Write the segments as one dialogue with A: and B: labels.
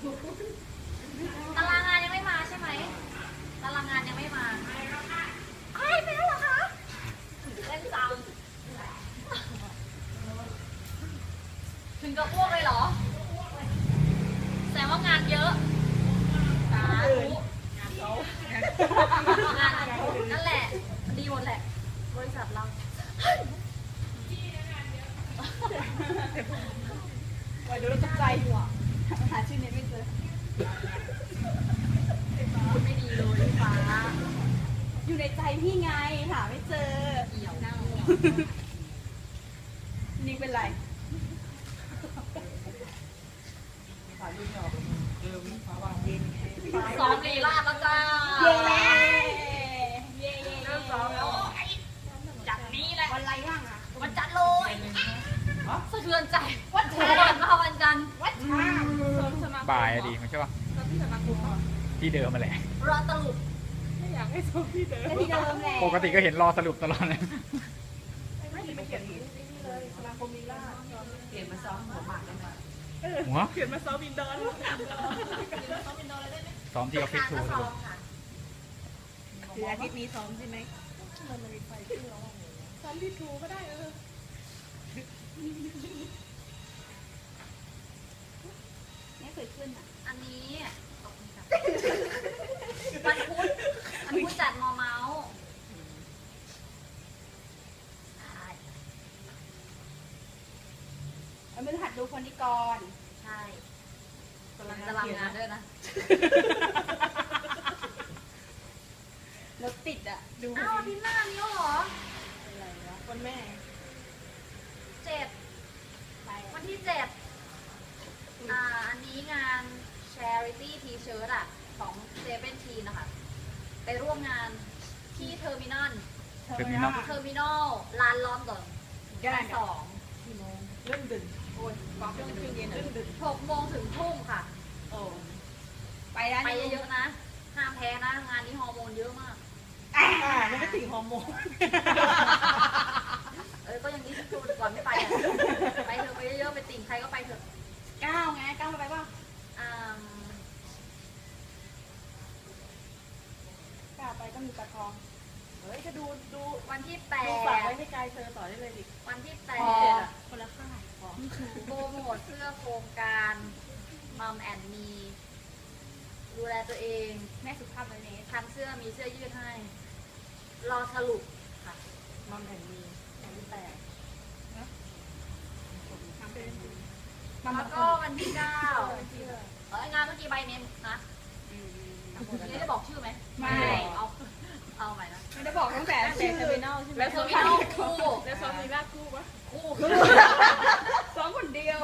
A: ตารางงานยังไม่มาใช่ไหมตารางงานยังไม่มาใครไปแล้วเหรอคะเล่นจังถึงกับอ้วกเลยเหรอแสดงว่างานเยอะสาธุงานเขานั่นแหละดีหมดแหละบริษัทเรา
B: วันดูแล้วตกใจหัวหาชื่อเน็ตไม่เจอ
A: พูดไม่ดีเลยพี่ฟ้า
B: อยู่ในใจพี่ไงหาไม่เจอ
A: เอี่ยวเน่า
B: นิ่งเป็นไร
A: ซ้อมลีลาแล้วจ้า
B: เย้
A: เย้เริ่มซ้อมแล้วจัดนี้แหละ
B: วันไรบ้างอ่ะ
A: วันจันทร์เลยสะเทือนใจวันจันทร์มาวันจันทร์
C: บ่ายดีมันใช่ป่ะที่เดิมมาแหละ
A: รอตลุก
B: ไม่อยากให้ซ้อมที่เดิมที่เดิมแหละ
C: ปกติก็เห็นรอสรุปตลอดเลย
B: ไม่เขียนนี่เลยสมาคมลีลาเขียนมาซ้อมหัวหมากได้ไหม
C: หัว
B: เขียนมาซ้อมบินดอน
C: ซ้อมที่ออฟฟิศทู
B: คืออาทิตย์นี้ซ้อมใช่ไหมซ้อมที่ทูก็ได้ไม่เคยขึ้นอ่ะ
A: อันนี้วันพุธจัดมอเมาส์
B: มันเป็นหัดดูคนนี้ก่อน
A: ใช่กำลังจะรับงานด้วยนะ
B: รถติดอ่ะดู
A: อ้าวที่หน้านี้เหรอ
B: อะไรวะวันแม่
A: 7วันที่7อันนี้งาน Charity T-shirt อ่ะของเซเว่นทีนะคะไปร่วมงานที่เทอร์มินอลลานลอนดอนวัน2กี่โมง
B: เริ่มดึกโอ้ยก่อนช่วงเย็นเริ่มดึก
A: 6 โมงถึงทุ่มค่ะ
B: โอ้ไปแล้ว
A: ไปเยอะๆนะห้ามแพ้นะงานนี้ฮอร์โมนเยอะมาก
B: มันก็ติ่งฮอร์โมน
A: ก็ยังนี้คือก่อนไม่ไปไปเถอะไปเยอะๆไปติ่งใครก็ไปเถอะ
B: ก้าวไงก้าวไปป่ะก้าวไปก็มีตะทองเฮ้ยจะดู
A: วันที่8
B: ฝากไว้ให้กายเธอต่อได้เลยดิ
A: วันที่
B: 8คนละค่าย
A: โปรโมทเสื้อโครงการมัมแอนมีดูแลตัวเอง
B: แม่สุภาพเลยเนี่ย
A: ทำเสื้อมีเสื้อยืดให้รอสรุปค่ะ
B: มัมแอนมีวันที่8
A: แล้วก็วันที่9งานเมื่อกี้ใบเนมนะนี่ได้บอกชื่อไหม
B: ไม่
A: เอาใหม่นะ
B: ไม่ได้บอกตั้งแต่เทอร์มินอลใช่ไหม
A: แล้วเทอร์มินอลคู่
B: แล้วซ้อมลีลาคู่ปะ
A: คู่
B: ซ้อมคนเดียว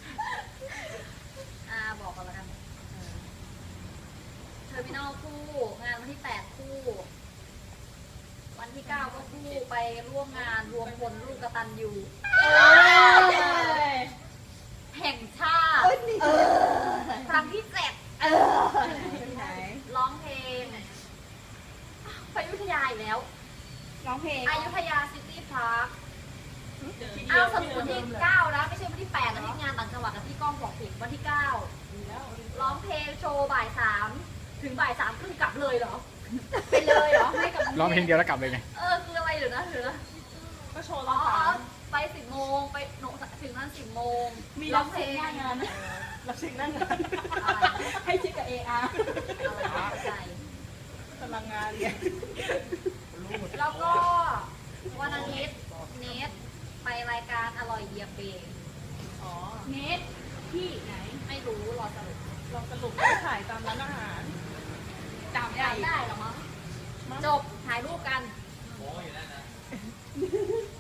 A: บอกกันแล้วกันเทอร์มินอลคู่งานวันที่8คู่วันที่9ก็คู่ไปร่วมงานรวมพลลูกกตัญญูแห่งชาติครั้งที่7ร้องเพลงไปอยุธยาอีกแล้ว
B: ร้องเพลง
A: อยุธยาซิตี้พาร์คสรุปวันที่9นะไม่ใช่วันที่8นะที่งานต่างจังหวัดกับที่ก้องบอกผิดวันที่9ร้องเพลงโชว์บ่าย3ถึงบ่าย3ครึ่งกลับเลยเหรอไปเลยเหรอให้กับ
C: ร้องเพลงเดียวแล้วกลับเลยไง
A: คืออะไรหรือนะ
B: ก็โชว์ร้อง
A: ไป10 โมงไปถึงนั้น10 โมง
B: มีร้องเพลงหน้างานรับเพลงหน้างานให้ชิดกับ AR
A: ใจ
B: พลังงานเนี่ย
A: แล้วก็วันอาทิตย์เนทไปรายการอร่อยเยียบเบง
B: เนทที่ไหน
A: ไม่รู้รอสรุป
B: ถ่ายตามร้านอาหาร
A: จำได้หรอมั้งจบถ่ายรูปกัน